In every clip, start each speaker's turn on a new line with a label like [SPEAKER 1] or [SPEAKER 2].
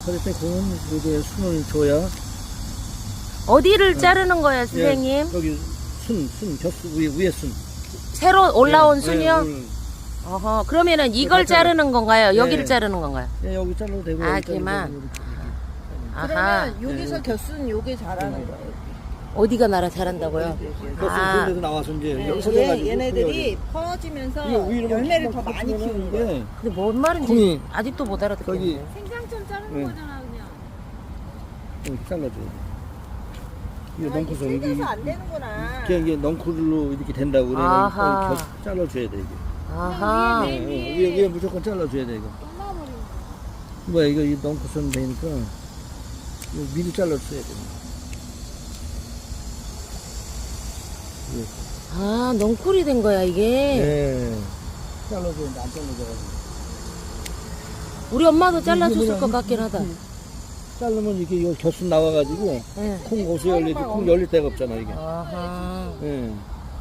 [SPEAKER 1] 그럴 때 그건 이제 순을 줘야.
[SPEAKER 2] 어디를 자르는 거예요, 선생님?
[SPEAKER 1] 예, 여기 벼스 위에 순.
[SPEAKER 2] 새로 올라온
[SPEAKER 1] 예,
[SPEAKER 2] 순이요?
[SPEAKER 1] 예,
[SPEAKER 2] 어허, 그러면은 이걸 자르는 건가요? 여기를
[SPEAKER 1] 예.
[SPEAKER 2] 자르는 건가요?
[SPEAKER 1] 예, 여기 잘라도 되고.
[SPEAKER 2] 아,
[SPEAKER 1] 여기 잘라도
[SPEAKER 2] 걔만.
[SPEAKER 1] 되고, 이렇게.
[SPEAKER 2] 아하,
[SPEAKER 3] 그러면 여기서 겨순 요게 잘하는 거예요.
[SPEAKER 2] 어디가 나라 잘한다고요?
[SPEAKER 1] 벼스
[SPEAKER 2] 아.
[SPEAKER 1] 그런데도 나와서 이제
[SPEAKER 3] 네,
[SPEAKER 1] 여기 서져가지고
[SPEAKER 3] 얘네들이 퍼지면서
[SPEAKER 1] 이거 위로
[SPEAKER 3] 열매를 더 많이 키우는 거예요.
[SPEAKER 1] 예.
[SPEAKER 2] 근데 뭔 말인지
[SPEAKER 1] 콩이
[SPEAKER 2] 아직도 못
[SPEAKER 1] 거기
[SPEAKER 2] 알아듣겠네.
[SPEAKER 4] 생장점 자르는
[SPEAKER 1] 네.
[SPEAKER 4] 거잖아 그냥.
[SPEAKER 1] 이렇게 잘라줘야 돼. 이거
[SPEAKER 3] 아, 이게
[SPEAKER 1] 넝쿨서 여기
[SPEAKER 3] 세져서 안 되는구나.
[SPEAKER 1] 이게 넝쿨로 이렇게 된다고 그래.
[SPEAKER 2] 아하.
[SPEAKER 1] 잘라줘야 돼 이게.
[SPEAKER 2] 아하.
[SPEAKER 4] 네,
[SPEAKER 1] 위에 무조건 잘라줘야 돼 이거.
[SPEAKER 4] 끝나버리네.
[SPEAKER 1] 뭐야 이거 이 넝쿨선 되니까 이거 미리 잘라줘야 돼.
[SPEAKER 2] 아, 넝쿨이 된 거야, 이게.
[SPEAKER 1] 예. 잘라줘야 돼. 안 잘라줘가지고.
[SPEAKER 2] 우리 엄마도 잘라줬을
[SPEAKER 1] 이게
[SPEAKER 2] 것
[SPEAKER 1] 뭐냐,
[SPEAKER 2] 같긴 하다.
[SPEAKER 1] 자르면 이게 이거 겨순 나와가지고
[SPEAKER 2] 예.
[SPEAKER 1] 콩 고수 열리지 콩 열릴 데가 없잖아 이게.
[SPEAKER 2] 아하.
[SPEAKER 1] 예.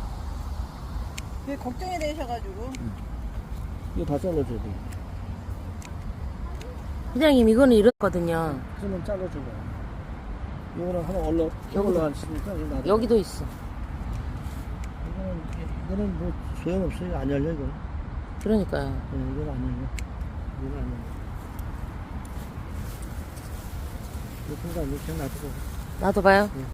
[SPEAKER 3] 그게 걱정이 되셔가지고.
[SPEAKER 1] 이거 다 잘라줘야 돼.
[SPEAKER 2] 회장님, 이거는 이렇거든요.
[SPEAKER 1] 그러면 잘라줘봐. 이거는 하나 올라갔으니까 이거 놔둬.
[SPEAKER 2] 여기도 있어.
[SPEAKER 1] 이거는 뭐 소용없어. 이거 안 열려 이거.
[SPEAKER 2] 그러니까요.
[SPEAKER 1] 이건 안 열려. 이건 안 열려. 이거 순간 이렇게 놔두고.
[SPEAKER 2] 나도 봐요.